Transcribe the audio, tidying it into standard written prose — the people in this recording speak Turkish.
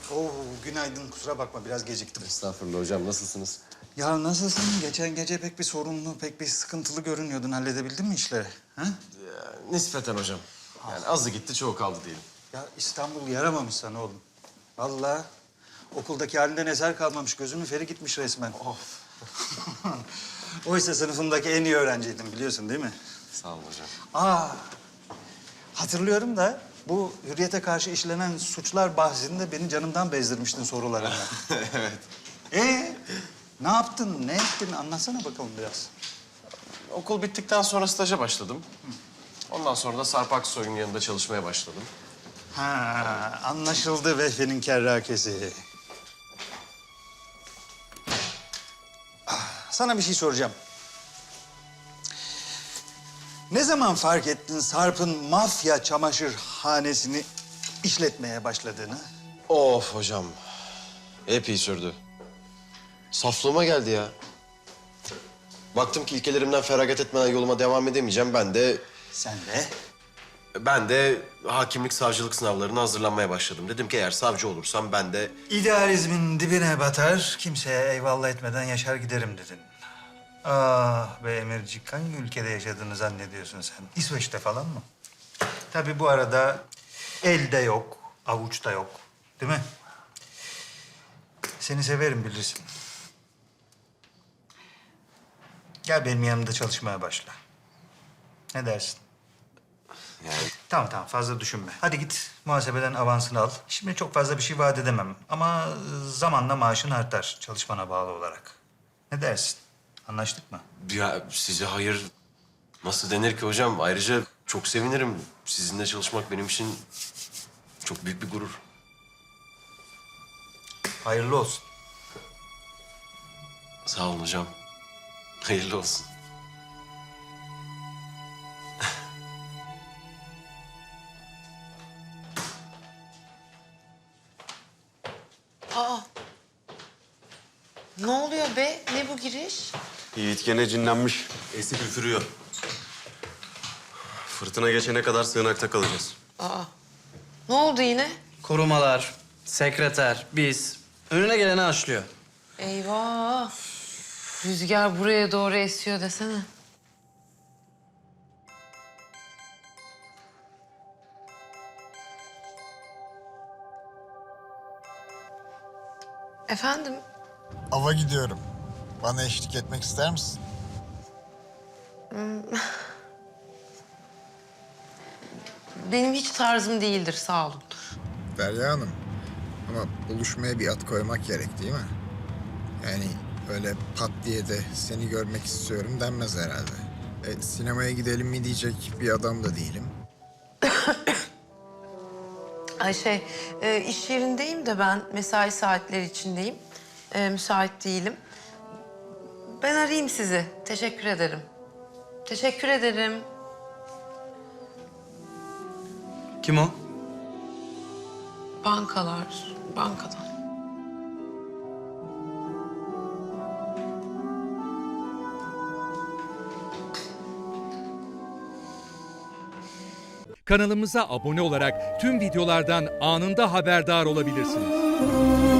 Oo, günaydın. Kusura bakma biraz geciktim. Estağfurullah hocam, nasılsınız? Ya nasılsın? Geçen gece pek bir sorunlu, pek bir sıkıntılı görünüyordun. Halledebildin mi işleri? Ha? Nispeten hocam. Yani azı gitti, çoğu kaldı diyelim. Ya İstanbul yaramamış sana oğlum. Vallahi okuldaki halinden eser kalmamış. Gözümün feri gitmiş resmen. Of. Oysa sınıfımdaki en iyi öğrenciydim biliyorsun değil mi? Sağ olun hocam. Aa, hatırlıyorum da bu hürriyete karşı işlenen suçlar bahsinde beni canımdan bezdirmiştin sorularınla. Evet. Ne yaptın, ne ettin? Anlatsana bakalım biraz. Okul bittikten sonra staja başladım. Ondan sonra da Sarp Aksoy'un yanında çalışmaya başladım. Ha, anlaşıldı Vehbi'nin kerrakesi. Sana bir şey soracağım. Ne zaman fark ettin Sarp'ın mafya çamaşırhanesini işletmeye başladığını? Of hocam. Epey sürdü. Saflığıma geldi ya. Baktım ki ilkelerimden feragat etmeden yoluma devam edemeyeceğim. Sen de? Ben de hakimlik, savcılık sınavlarına hazırlanmaya başladım. Dedim ki eğer savcı olursam ben de... İdealizmin dibine batar, kimseye eyvallah etmeden yaşar giderim dedin. Ah be Emircik, hangi ülkede yaşadığını zannediyorsun sen? İsveç'te falan mı? Tabii bu arada elde yok, avuçta yok. Değil mi? Seni severim bilirsin. Gel benim yanımda çalışmaya başla. Ne dersin? Yani Tamam fazla düşünme. Hadi git muhasebeden avansını al. Şimdi çok fazla bir şey vaat edemem ama zamanla maaşın artar çalışmana bağlı olarak. Ne dersin? Anlaştık mı? ya size hayır nasıl denir ki hocam? Ayrıca çok sevinirim. Sizinle çalışmak benim için çok büyük bir gurur. Hayırlı olsun. Sağ olun hocam. Hayırlı olsun. Ne oluyor be? Ne bu giriş? Yiğit gene cinlenmiş. Esip üfürüyor. Fırtına geçene kadar sığınakta kalacağız. Ne oldu yine? Korumalar, sekreter, biz. Önüne geleni aşlıyor. Eyvah. Rüzgar buraya doğru esiyor desene. Efendim? Ava gidiyorum. Bana eşlik etmek ister misin? Benim hiç tarzım değildir, sağ olun. Derya Hanım. Ama buluşmaya bir at koymak gerek değil mi? Yani öyle pat diye de seni görmek istiyorum denmez herhalde. Sinemaya gidelim mi diyecek bir adam da değilim. Ay iş yerindeyim de ben mesai saatleri içindeyim. Müsait değilim. Ben arayayım sizi. Teşekkür ederim. Teşekkür ederim. Kim o? Bankadan. Kanalımıza abone olarak tüm videolardan anında haberdar olabilirsiniz.